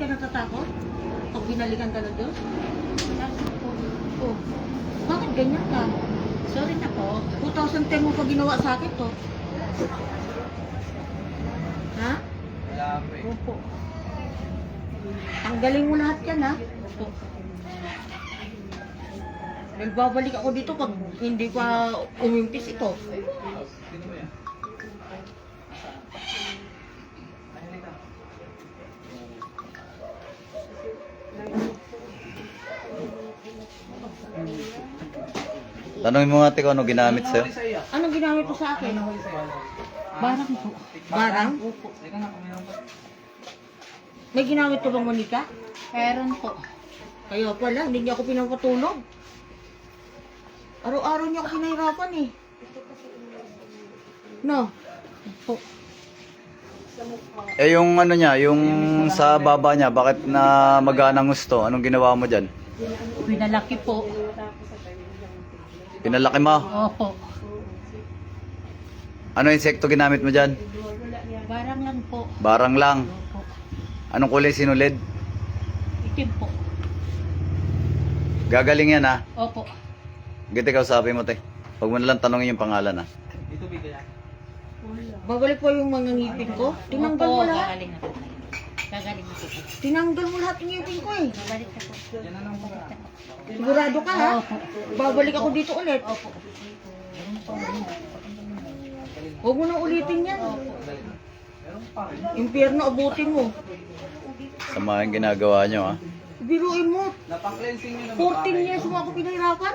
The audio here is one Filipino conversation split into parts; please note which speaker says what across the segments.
Speaker 1: ka natatakot? Pag binalikan ka na Diyos? Oh. Bakit ganyan ka?
Speaker 2: Sorry na po.
Speaker 1: 2010 mo pa ginawa sa akin to. Ha?
Speaker 3: Wala po eh.
Speaker 2: Opo.
Speaker 1: Tanggalin mo lahat yan ha?
Speaker 2: Opo.
Speaker 1: Dahil babalik ako dito pag hindi pa umimpis ito.
Speaker 3: Sino ba yan?
Speaker 4: Tanongin mo nga ate kung ano ginamit sa'yo.
Speaker 1: Anong ginamit mo sa akin?
Speaker 2: Barang po.
Speaker 1: Barang?
Speaker 2: Opo.
Speaker 3: Teka nga, kung meron pa.
Speaker 1: May ginamit ka bang manika?
Speaker 2: Meron po.
Speaker 1: Kaya pala, hindi niya ako pinapatulog. Araw-araw niya ako pinahirapan eh. No?
Speaker 2: Opo.
Speaker 4: Eh yung ano niya, yung sa baba niya, bakit na maganang gusto? Anong ginawa mo dyan?
Speaker 2: Pinalaki po.
Speaker 4: Pinalaki mo?
Speaker 2: Opo.
Speaker 4: Ano insekto ginamit mo dyan?
Speaker 2: Barang lang po.
Speaker 4: Barang lang.
Speaker 2: Opo.
Speaker 4: Anong kulay sinulid?
Speaker 2: Itim po.
Speaker 4: Gagaling yan ha.
Speaker 2: Opo.
Speaker 4: Giti ikaw sabi mo te. Huwag mo nalang tanongin yung pangalan ha.
Speaker 3: Dito bigay yan.
Speaker 1: Babalik po yung mga ngipin ko. Tinanggal mo
Speaker 2: Opo,
Speaker 1: lahat.
Speaker 2: gagaling na po. Gagaling na po.
Speaker 1: Tinanggal mo lahat ng ngipin ko eh.
Speaker 2: Babalik na po.
Speaker 3: Yan na lang mga.
Speaker 1: Sigurado ka ha?
Speaker 2: Opo.
Speaker 1: Babalik ako dito ulit.
Speaker 2: Opo.
Speaker 1: Huwag mo nang ulitin yan.
Speaker 3: Meron pa rin.
Speaker 1: Impyerno abutin mo.
Speaker 4: Sama yung ginagawa nyo ha.
Speaker 1: Biruin mo.
Speaker 3: Napang-cleansing nyo na
Speaker 1: 14 years mo ako pinahirapan.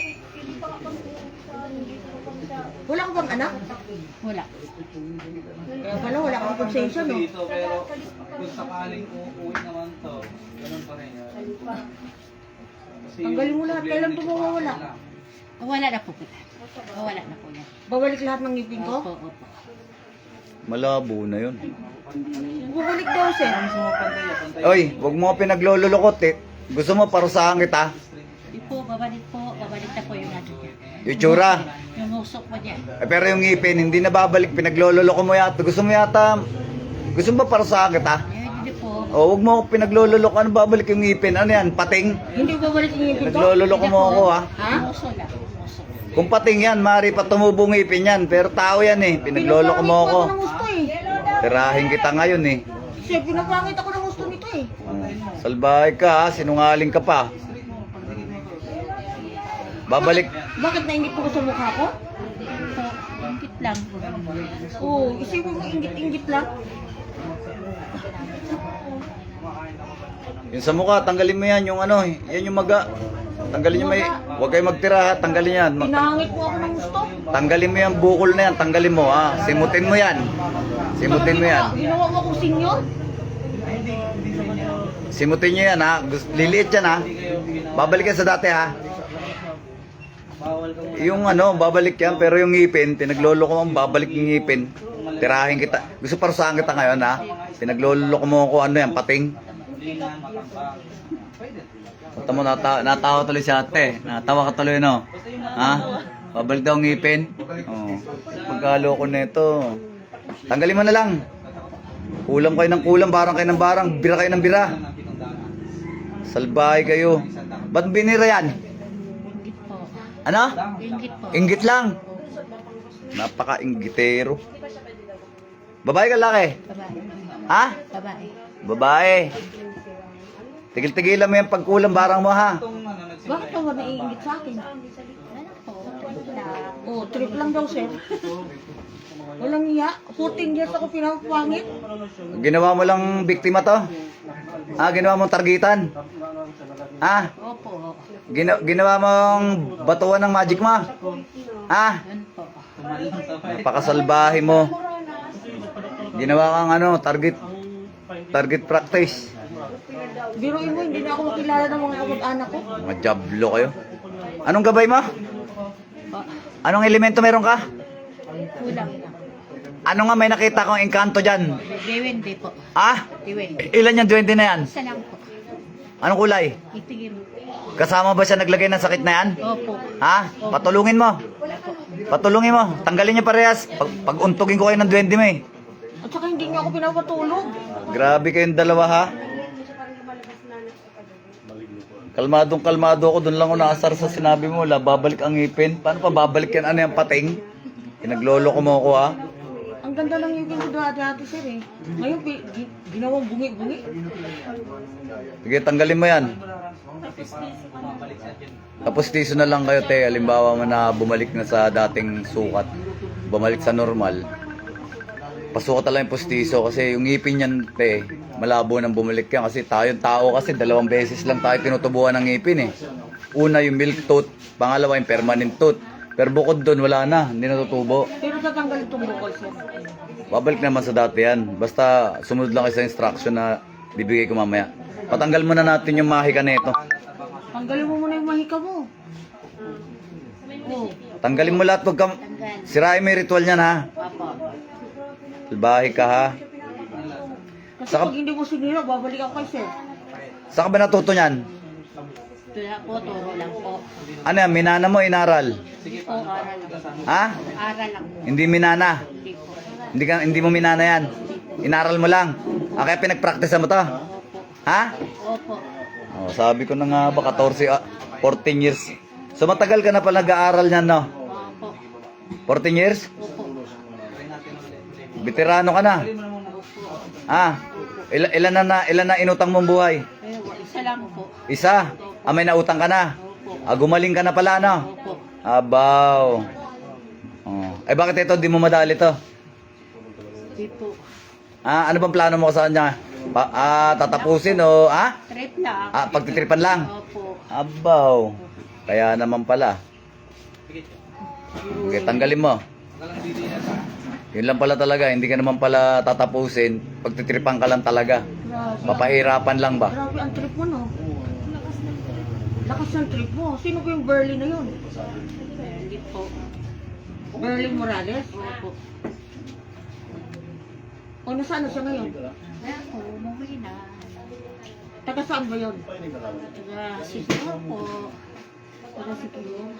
Speaker 1: Wala ka bang anak?
Speaker 2: Wala.
Speaker 1: Kaya pala wala kang konsensya no?
Speaker 3: Dito, pero kung sakaling uuwi naman to, ganun pa rin yan. Kasi
Speaker 1: Tanggalin mo lahat. Kailan ito mawawala?
Speaker 2: Wala na po. Wala na po yan.
Speaker 1: Babalik lahat ng ngipin ko?
Speaker 2: Opo, opo.
Speaker 4: Malabo na yun.
Speaker 1: Babalik daw sir.
Speaker 3: Gusto mo pantay.
Speaker 4: Oy, huwag mo pinaglololokot eh. Gusto mo parusahan kita?
Speaker 2: Di po, babalik po. Babalik na po yung ano niya.
Speaker 4: Yung tsura.
Speaker 2: Yung usok po niya.
Speaker 4: Eh, pero yung ngipin, hindi na babalik. Pinaglololoko mo yata. Gusto mo yata... Gusto mo ba parusahan kita?
Speaker 2: Hindi po.
Speaker 4: O, huwag mo pinaglololoko. Ano babalik yung ngipin? Ano yan? Pating?
Speaker 1: Hindi babalik yung ngipin ko?
Speaker 4: Naglololoko mo ako ha.
Speaker 1: Ha?
Speaker 2: Uso lang. Uso.
Speaker 4: Kung pating yan, mari pa tumubong ngipin yan. Pero tao yan eh. Pinagloloko mo ako.
Speaker 1: Pinapangit ko ng gusto eh.
Speaker 4: Tirahin kita ngayon eh.
Speaker 1: Kasi pinapangit ako ng gusto nito eh.
Speaker 4: Salbahe ka ha. Sinungaling ka pa. Babalik.
Speaker 1: Bakit naingit ko sa mukha ko?
Speaker 2: Po, ingit lang.
Speaker 1: Oo, isipin mo ingit-ingit lang.
Speaker 4: Yung sa mukha, tanggalin mo yan. Yung ano, yan yung maga. Tanggalin nyo may... Huwag kayo magtira ha. Tanggalin yan.
Speaker 1: Pinangit mo ako ng gusto.
Speaker 4: Tanggalin mo yung bukol na yan. Tanggalin mo ha. Simutin mo yan. Simutin mo yan.
Speaker 1: Ginawa mo akong senyor?
Speaker 4: Simutin nyo yan ha. Liliit yan ha. Babalik yan sa dati ha.
Speaker 3: Bawal ka muna.
Speaker 4: Yung ano, babalik yan. Pero yung ngipin, pinagloloko mo, babalik yung ngipin. Tirahin kita. Gusto parusahan kita ngayon ha. Pinagloloko mo ako ano yan, pating.
Speaker 3: Hindi na matambang. Pwede.
Speaker 4: Punta mo, natawa tuloy si ate. Natawa ka tuloy no. Ha? Babalik daw ang ngipin. Oh. Pagkaloko nito. Tanggalin mo na lang. Kulang kayo ng kulang, barang kayo ng barang, bira kayo ng bira. Salbahe kayo. Ba't binira yan?
Speaker 2: Ingit po.
Speaker 4: Ano?
Speaker 2: Ingit po.
Speaker 4: Inggit lang. Napaka-inggitero. Babae ka laki?
Speaker 2: Babae.
Speaker 4: Ha?
Speaker 2: Babae.
Speaker 4: Babae. Tigil-tigilan mo yung pagkulang barang mo ha.
Speaker 3: Itong ano, nagsimula.
Speaker 1: Bakit ka ba naiingit sa akin?
Speaker 2: Ano po? Trip lang.
Speaker 1: Oo, trip lang daw sir. Walang iya. 14 years ako pinapangit.
Speaker 4: Ginawa mo lang biktima to? Ha? Ginawa mong targetan? Ha?
Speaker 2: Opo.
Speaker 4: Ginawa mong batuan ng magic mo? Ha?
Speaker 2: Yun po.
Speaker 4: Napakasalbahe mo. Ginawa kang ano, target practice.
Speaker 1: Biruin mo, hindi na ako makilala ng mga kamag-anak ko.
Speaker 4: Mga jablo kayo. Anong gabay mo?
Speaker 2: Pa.
Speaker 4: Anong elemento meron ka?
Speaker 2: Kulang lang.
Speaker 4: Ano nga may nakita kong engkanto dyan?
Speaker 2: Diwende po.
Speaker 4: Ah?
Speaker 2: Diwende.
Speaker 4: Ilan yung 20 na yan?
Speaker 2: Isa lang po.
Speaker 4: Anong kulay?
Speaker 2: Itigim.
Speaker 4: Kasama ba siya naglagay ng sakit na yan?
Speaker 2: Opo.
Speaker 4: Ha? Patulungin mo. Patulungin mo. Tanggalin niyo parehas. Pag-untugin ko kayo ng 20 mo eh.
Speaker 1: At saka hindi niya ako pinapatulog.
Speaker 4: Grabe kayong dalawa ha. Kalmadong-kalmado ako. Doon lang ako naasar sa sinabi mo. Wala, babalik ang ngipin. Paano pa babalik yan? Ano yung pating? Pinaglolo ko mo ako, ha?
Speaker 1: Ang ganda lang yung ko dati sir eh. Ngayon, ginawang bungi-bungi.
Speaker 4: Sige, tanggalin mo yan.
Speaker 3: Bumabalik sa dyan.
Speaker 4: Tapos tiso na lang kayo, te. Halimbawa mo na bumalik na sa dating sukat. Bumalik sa normal. Pasukat lang yung postiso kasi yung ngipin yan, te, malabo nang bumalik yan. Kasi tayong tao kasi 2 beses lang tayo tinutubuan ng ngipin eh. Una yung milk tooth, pangalawa yung permanent tooth. Pero bukod doon, wala na, hindi natutubo.
Speaker 1: Pero tatanggal itong bukol sir.
Speaker 4: Babalik naman sa dati yan. Basta sumunod lang kayo sa instruction na bibigay ko mamaya. Patanggal muna natin yung mahika nito.
Speaker 1: Tanggalin mo muna yung mahika mo. Oh.
Speaker 4: Tanggalin mo lahat, wag ka... Sirain mo yung ritual niyan, ha?
Speaker 2: Opo.
Speaker 4: Salbahe ka, ha?
Speaker 1: Kasi pag hindi mo sinira, babalik ako kay sir.
Speaker 4: Saan ka ba natuto niyan?
Speaker 2: Wala po, turo lang po.
Speaker 4: Ano yan, minana mo, inaral?
Speaker 2: Hindi po, aral lang po.
Speaker 4: Ha?
Speaker 2: Aral lang po.
Speaker 4: Hindi minana?
Speaker 2: Hindi po.
Speaker 4: Hindi mo minana yan? Inaral mo lang? Kaya pinag-practice mo to?
Speaker 2: Opo.
Speaker 4: Ha?
Speaker 2: Opo.
Speaker 4: Oh, sabi ko na nga ba, 14 years. So matagal ka na pala nag-aaral niyan, no?
Speaker 2: Opo.
Speaker 4: 14 years?
Speaker 2: Opo.
Speaker 4: Veterano ka na. Ah, ilan na inutang mong buhay?
Speaker 2: Isa lang po.
Speaker 4: Isa? May nautang ka na? Gumaling ka na pala, no?
Speaker 2: Opo.
Speaker 4: Abaw. Oh. Bakit ito, di mo madali to?
Speaker 2: Hindi po.
Speaker 4: Ano bang plano mo sa kanya? Tatapusin o,
Speaker 2: Trip lang.
Speaker 4: pagtitripan lang?
Speaker 2: Opo.
Speaker 4: Abaw. Kaya naman pala. Okay, tanggalin mo. Yun lang pala talaga, hindi ka naman pala tatapusin. Pagtitripan ka lang talaga.
Speaker 1: Grabe.
Speaker 4: Papahirapan lang ba?
Speaker 1: Grabe ang trip mo, no? Lakas ng trip mo. Sino ba yung Burley na yun?
Speaker 2: Hindi po.
Speaker 1: Burley Morales?
Speaker 2: Opo.
Speaker 1: O nasaan na siya ngayon?
Speaker 2: Wala po, umuwi na.
Speaker 1: Taga saan ba yun?
Speaker 2: Taga Siguro po.
Speaker 1: Taga Sikilo.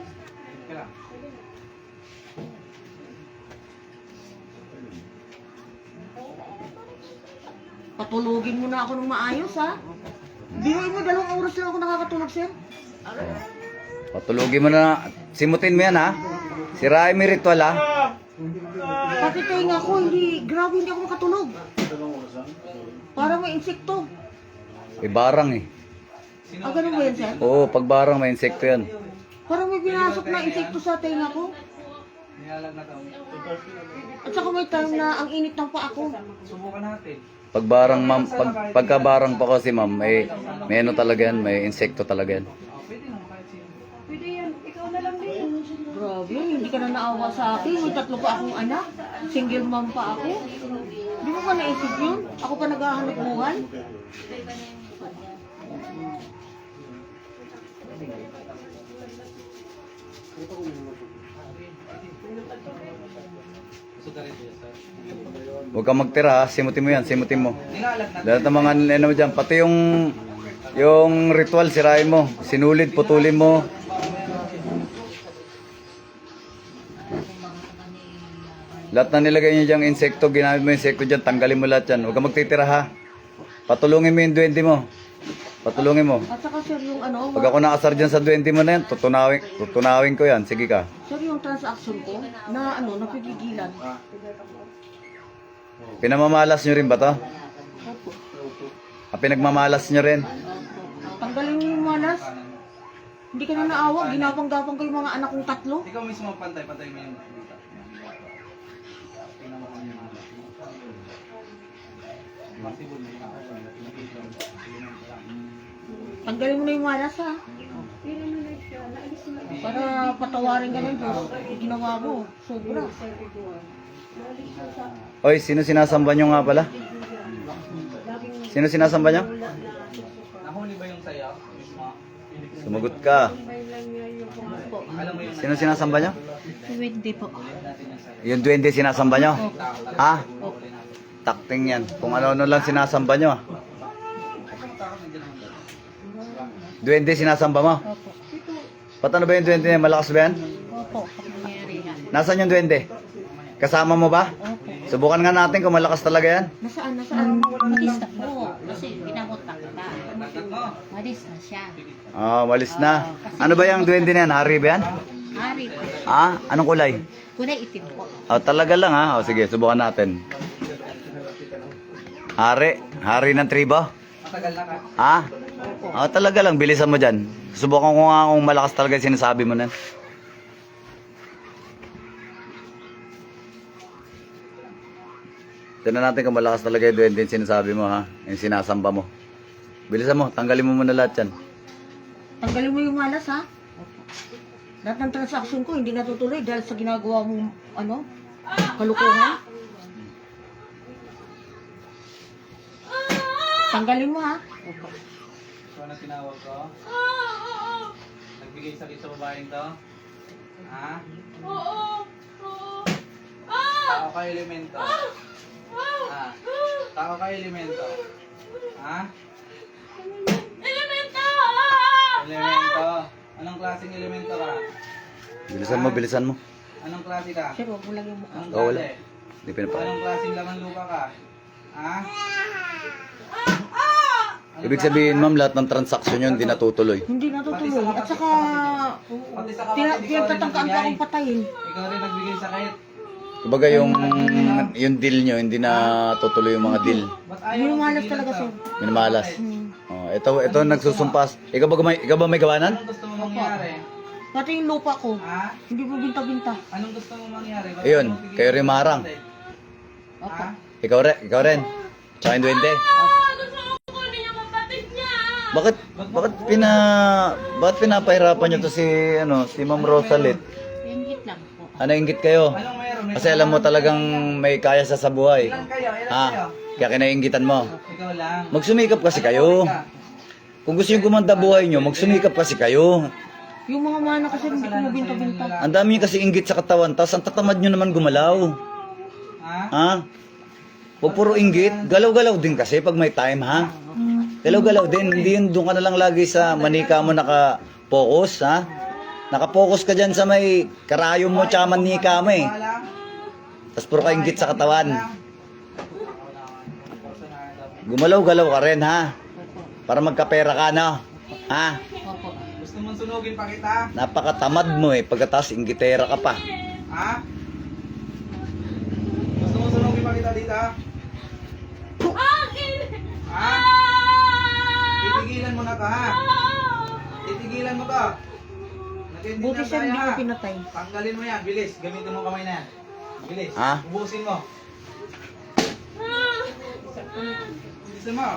Speaker 1: Patulugin mo na ako ng maayos, ha? Biruin mo, 2 oras lang ako nakakatulog, sir.
Speaker 4: Patulugin mo na. Simutin mo yan, ha? Sirain mo yung ritual, ha?
Speaker 1: Pati tayo ko, grabe hindi ako makatulog. Parang may insekto.
Speaker 4: Barang eh.
Speaker 1: Ganun ba yan, sir?
Speaker 4: Oo, pag barang may insekto yan.
Speaker 1: Parang may pinasok na insekto sa tenga ko.
Speaker 3: Nilalag na to.
Speaker 1: At saka may time na ang init ng paa ko.
Speaker 3: Subukan natin.
Speaker 4: Pag barang, ma'am, pagka barang pa kasi, ma'am, may ano talaga yan, may insekto talaga yan.
Speaker 3: Pwede naman kahit sino.
Speaker 1: Grabe, hindi ka na naawa sa akin. May 3 pa akong anak. Single mom pa ako. Di mo ba naisip yun? Ako pa naghahanap buhay.
Speaker 3: Gusto ka rin sir.
Speaker 4: Huwag kang magtira, ha? Simutin mo yan, simutin mo.
Speaker 3: Nilalag na.
Speaker 4: Lahat ng mga ano mo dyan, pati yung ritual, sirain mo. Sinulid, putulin mo. Lahat na nilagay niyo dyan, insekto, ginamit mo yung insekto dyan, tanggalin mo lahat yan. Huwag kang magtitira, ha? Patulungin mo yung duwende mo. Patulungin mo.
Speaker 1: At saka sir, yung
Speaker 4: Pag ako nakasar dyan sa duwende mo na yan, tutunawin ko yan. Sige ka.
Speaker 1: sir, yung transaction ko, na napigigilan.
Speaker 4: Pinamamalas nyo rin ba to?
Speaker 1: Opo.
Speaker 4: Pinagmamalas nyo rin?
Speaker 1: Tanggalin mo yung malas. Hindi ka na naawa, ginapang-gapang ko yung mga anak kong 3.
Speaker 3: Ikaw mismo pantay mo yung dita. Tingnan mo kung yung mga. Possible na yun.
Speaker 1: Tanggalin mo na yung malas, ha? Para patawarin ka ng Diyos. Yung ginawa mo, sobra.
Speaker 4: Oy, sino sinasamba nyo nga pala? Sino sinasamba nyo?
Speaker 3: Nahuli ba yung sayo? Mismo?
Speaker 4: Sumagot ka.
Speaker 3: Alam mo yung
Speaker 4: Sino sinasamba nyo?
Speaker 2: Hindi po.
Speaker 4: Yung duwende sinasamba nyo? Ha? Takting yan. Kung ano-ano lang sinasamba nyo. Duwende sinasamba mo?
Speaker 2: Opo.
Speaker 4: Ba't ano ba yung duwende niya? Malakas ba yan?
Speaker 2: Opo. Kapangyarihan.
Speaker 4: Nasaan yung duwende? Kasama mo ba?
Speaker 2: Opo.
Speaker 4: Subukan nga natin kung malakas talaga yan.
Speaker 1: Nasaan? Nasaan?
Speaker 2: Matista po. Kasi ginamot na kita.
Speaker 3: Nakat mo.
Speaker 2: Malis na siya.
Speaker 4: Walis na. Ano ba yung duwende na yan? Hari ba yan?
Speaker 2: Hari po.
Speaker 4: Anong kulay?
Speaker 2: Kulay itim po.
Speaker 4: Talaga lang ha. Sige, subukan natin. Hari ng tribo.
Speaker 3: Matagal na ka.
Speaker 4: Talaga lang, bilisan mo dyan. Subukan ko nga kung malakas talaga yung sinasabi mo na. Tignan natin kung malakas talaga yung duwende yung sinasabi mo ha. Yung sinasamba mo. Bilisan mo, tanggalin mo muna lahat yan.
Speaker 1: Tanggalin mo yung malas, ha? Lahat ng transaction ko hindi natutuloy dahil sa ginagawa mong, kalukuhan. Tanggalin mo, ha?
Speaker 3: Ikaw na tinawag ko? Nagbigay sakit sa babaeng to? Ha? Tao ka elemento. Tao ka elemento. Ha? Elemento. Anong klaseng elemento ka?
Speaker 4: Bilisan mo.
Speaker 3: Anong klase ka?
Speaker 1: Sir, huwag mo lang yung mukha.
Speaker 3: Anong
Speaker 4: Wala.
Speaker 3: klase?
Speaker 4: Hindi pinapakain.
Speaker 3: Anong klaseng laman lupa ka? Ha?
Speaker 4: Ibig sabihin ma'am, lahat ng transaksyon yun hindi natutuloy.
Speaker 1: Hindi natutuloy. At saka,
Speaker 3: Pati sa kapatid, ikaw rin
Speaker 1: pinagtatangkaan pa
Speaker 3: nagbigay.
Speaker 1: akong patayin.
Speaker 3: Ikaw rin nagbigay sakit.
Speaker 4: Kumbaga yung deal nyo, hindi na tutuloy yung mga deal.
Speaker 3: Ba't ayaw
Speaker 1: Yung
Speaker 3: mong
Speaker 1: malas
Speaker 3: tigilan
Speaker 1: talaga,
Speaker 3: to?
Speaker 1: sir.
Speaker 4: Minamalas. Ito nagsusumpas. Ikaw ba may gawanan?
Speaker 3: Anong gusto mo mangyari?
Speaker 1: Pati yung lupa ko,
Speaker 3: Ha?
Speaker 1: hindi mo binta-binta.
Speaker 3: Anong gusto mo mangyari? Ba't
Speaker 4: Ayun,
Speaker 3: ayaw mong tigilan
Speaker 4: kayo rin
Speaker 3: yung
Speaker 4: marang.
Speaker 3: kapatid?
Speaker 1: Opo.
Speaker 3: Ha?
Speaker 4: Ikaw rin. Tsaka yung duwende. Bakit pinapahirapan nyo to si Ma'am Rosalit?
Speaker 2: Ingit lang po.
Speaker 4: Inggit kayo?
Speaker 3: Anong meron? May
Speaker 4: Kasi alam mo talagang may kaya sa buhay.
Speaker 3: Ilan kayo? Ilan kayo?
Speaker 4: Kaya kinainggitan mo.
Speaker 3: Ikaw lang.
Speaker 4: Magsumikap kasi kayo. Kung gusto nyo gumanda buhay nyo, magsumikap kasi kayo.
Speaker 1: Yung mga mana kasi hindi ko mabinta-binta.
Speaker 4: Ang dami nyo kasi inggit sa katawan, tapos ang tatamad nyo naman gumalaw.
Speaker 3: Ha?
Speaker 4: Huwag puro inggit, galaw-galaw din kasi pag may time ha. Galaw-galaw din, hindi yun doon ka na lang lagi sa manika mo naka-focus ha. Naka-focus ka dyan sa may karayom mo tsaka manika mo eh.
Speaker 3: Wala.
Speaker 4: Tapos puro ka inggit sa katawan. Gumalaw-galaw ka rin ha. Para magkapera ka no. Ha?
Speaker 2: Opo.
Speaker 3: Gusto mong sunugin pa kita?
Speaker 4: Napakatamad mo eh, pagkatapos inggitera ka pa.
Speaker 3: Ha? Gusto mong sunugin pa kita dito? Ha? Titigilan mo na to ha? Titigilan mo to. Nag-ending
Speaker 1: Buti
Speaker 3: na
Speaker 1: siya
Speaker 3: tayo
Speaker 1: hindi
Speaker 3: ha?
Speaker 1: ko pinatay.
Speaker 3: Tanggalin mo yan, bilis. Gamitin mo kamay na yan. Bilis.
Speaker 4: Ha?
Speaker 3: Ubusin mo. Ubusin mo.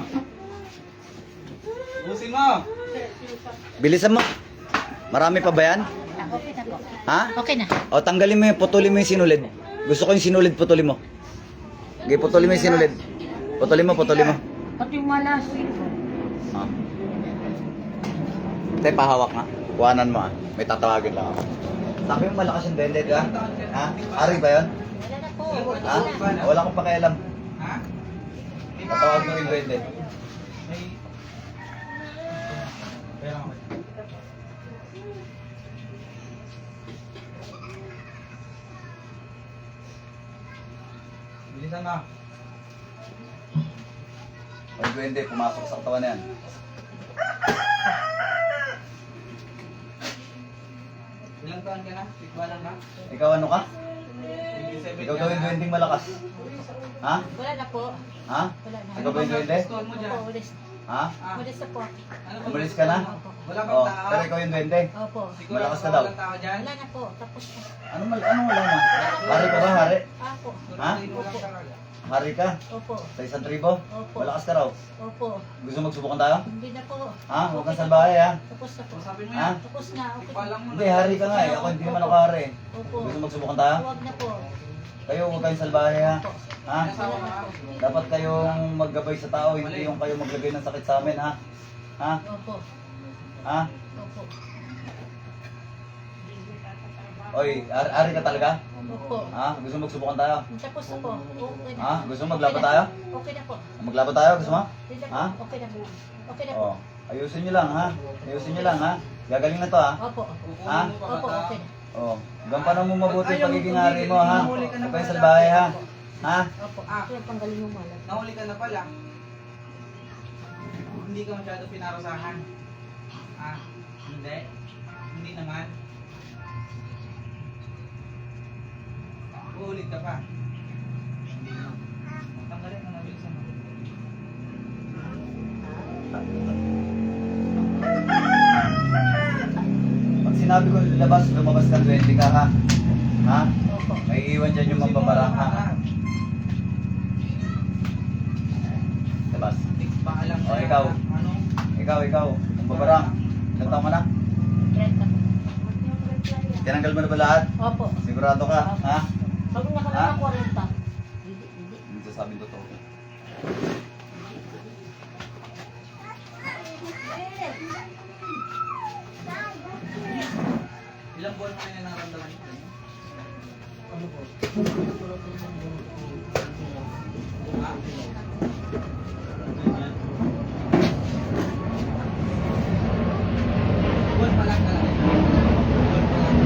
Speaker 3: Ubusin mo.
Speaker 4: Bilisan mo. Marami pa ba yan?
Speaker 2: Okay na po.
Speaker 4: Ha?
Speaker 2: Okay na.
Speaker 4: O tanggalin mo yung, putulin mo yung sinulid. Gusto ko yung sinulid, putulin mo. Okay, putulin mo yung sinulid. Putulin mo.
Speaker 1: Pati yung malas.
Speaker 4: Tay, pahawak nga. Kuhanan mo May tatawagin lang ako. Sabi mo malakas yung dende, ha? Ha? Ari ba yun?
Speaker 2: Wala na po.
Speaker 4: Ha? Wala akong pakialam.
Speaker 3: Ha?
Speaker 4: Patawag mo yung dende.
Speaker 3: May... Pera mo. Bilisan mo.
Speaker 4: Yung duwende, pumasok sa katawan na yan.
Speaker 3: Ilang taon ka na? Tikbalan na?
Speaker 4: Ikaw ano ka?
Speaker 3: 27
Speaker 4: Ikaw
Speaker 3: ka
Speaker 4: daw yung
Speaker 3: na.
Speaker 4: duwendeng malakas. Ha?
Speaker 2: Wala na po.
Speaker 4: Ha?
Speaker 2: Wala na.
Speaker 4: Ikaw ba yung duwende?
Speaker 3: Gusto mo dyan?
Speaker 2: Opo, ulis.
Speaker 4: Ha?
Speaker 3: Ah,
Speaker 2: Ulis na po.
Speaker 3: ano ba
Speaker 4: Umalis
Speaker 3: gusto
Speaker 4: ka na?
Speaker 3: mo? Wala
Speaker 4: Oh,
Speaker 3: bang tao?
Speaker 4: pero ikaw yung duwende.
Speaker 2: Opo.
Speaker 3: Siguro
Speaker 4: malakas ka
Speaker 3: wala
Speaker 4: daw.
Speaker 3: bang tao dyan?
Speaker 2: Wala na po. Tapos na.
Speaker 4: Anong wala na? Hari ka ba, hari?
Speaker 2: Ako.
Speaker 4: Ha?
Speaker 3: Walang tao.
Speaker 4: Hari ka?
Speaker 2: Opo.
Speaker 4: Sa isang tribo?
Speaker 2: Opo.
Speaker 4: Malakas ka raw.
Speaker 2: Opo.
Speaker 4: Gusto magsubukan tayo?
Speaker 2: Hindi na po.
Speaker 4: Ha? Huwag kang salbahe ha?
Speaker 2: Tapos na po.
Speaker 3: Sabi mo
Speaker 4: Ha?
Speaker 3: yan.
Speaker 2: Tapos na. Okay.
Speaker 3: Ipalang mo
Speaker 4: Hindi, hari ka nga eh. Ako hindi naman ako hari.
Speaker 2: Opo.
Speaker 4: Gusto magsubukan tayo?
Speaker 2: Huwag na po.
Speaker 4: Kayo, huwag kayong salbahe ha? Ha?
Speaker 3: Asawa ka?
Speaker 4: Dapat kayong maggabay sa tao, hindi yung kayo maglagay ng sakit sa amin ha? Ha?
Speaker 2: Opo.
Speaker 4: Ha?
Speaker 2: Opo.
Speaker 4: Oy, ari ka talaga?
Speaker 2: Opo.
Speaker 4: Ha? Gusto magsubukan tayo?
Speaker 2: Tapos na po. Okay na.
Speaker 4: Ha? Gusto mo maglaban tayo?
Speaker 2: Okay na po.
Speaker 4: Maglaban tayo? Gusto mo?
Speaker 2: Hindi na po.
Speaker 4: Ha?
Speaker 2: Okay na po. Okay na po.
Speaker 4: Oh, ayusin nyo lang ha? Ayusin nyo lang ha? Gagaling na to ha?
Speaker 2: Opo.
Speaker 4: Ha?
Speaker 3: Kukunin mo pa
Speaker 2: Opo.
Speaker 3: kita.
Speaker 2: Okay na.
Speaker 4: Oh, gampanan mo mabuti
Speaker 3: Ayaw
Speaker 4: yung pagiging
Speaker 3: mo
Speaker 4: hari mo ha?
Speaker 3: tumigil,
Speaker 4: Huwag kayong salbahe ha? Ha?
Speaker 2: Opo.
Speaker 3: Ah,
Speaker 1: Kaya tanggalin yung malas.
Speaker 3: nahuli ka na pala.
Speaker 4: Hindi
Speaker 3: hindi ka masyado pinarasahan. Ah, hindi. Hindi naman. Uulit ka pa. Hindi na. Tanggalin mo na bilisan mo.
Speaker 4: Pag sinabi ko lumabas ka 20 ka ha? Ha?
Speaker 2: Opo.
Speaker 4: May iwan dyan yung mambabarang ha? Labas.
Speaker 3: Paalam
Speaker 4: O, ikaw.
Speaker 3: Ano?
Speaker 4: Ikaw, mambabarang. Ilang taon ka na?
Speaker 2: 30 po.
Speaker 4: Tinanggal mo na ba lahat?
Speaker 2: Opo.
Speaker 4: Sigurado ka? Ha?
Speaker 2: Sabi niya
Speaker 4: Ha?
Speaker 2: kanina 40. Hindi.
Speaker 4: Hindi sasabing totoo.
Speaker 3: Ilang buwan mo na nararamdaman ito? Ano po? Ha? Buwan pa lang talaga. Buwan pa lang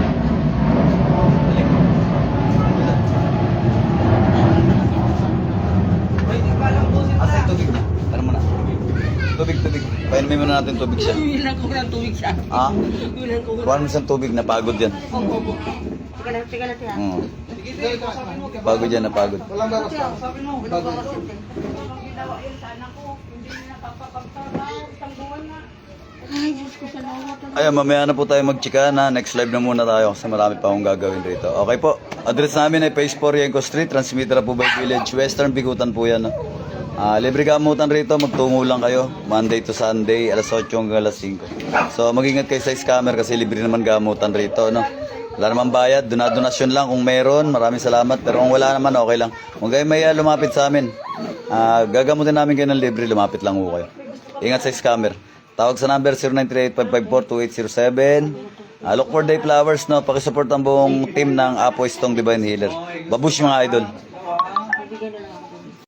Speaker 3: talaga. Pwede pa lang po sila.
Speaker 4: Asa yung tubig na? Tara muna. Tubig. Painumin muna natin tubig siya.
Speaker 1: Bilang ko ng tubig siya.
Speaker 4: Ah?
Speaker 1: Bilang ko.
Speaker 4: Kuhaan mo isang tubig, napagod yan.
Speaker 1: Opo. Teka lang siya.
Speaker 4: Oo.
Speaker 3: Sige, sige, kausapin mo.
Speaker 4: Pagod yan, napagod.
Speaker 3: Walang bawas. Kausapin mo.
Speaker 1: Ay, Diyos ko, salamat.
Speaker 4: Ayun, mamaya na po tayo magchika na. Next live na muna tayo kasi marami pa akong gagawin rito. Okay po. Address namin ay Phase 4 Yenko Street, Transmitter po by Village, Western Bikutan po yan. No? Libre gamutan rito, magtungo lang kayo. Monday to Sunday, alas 8 hanggang alas 5. So mag-ingat kayo sa scammer kasi libre naman gamutan rito. No? Wala naman bayad, donasyon lang kung meron. Maraming salamat. Pero kung wala naman, okay lang. Kung kayo may lumapit sa amin, gagamutin namin kayo ng libre, lumapit lang po kayo. Ingat sa scammer. Tawag sa number 0938-554-2807. Look for Day Flowers, no? Pakisupport ang buong team ng Apo Istong Divine Healer. Babush mga idol.
Speaker 1: Bibigyan na lang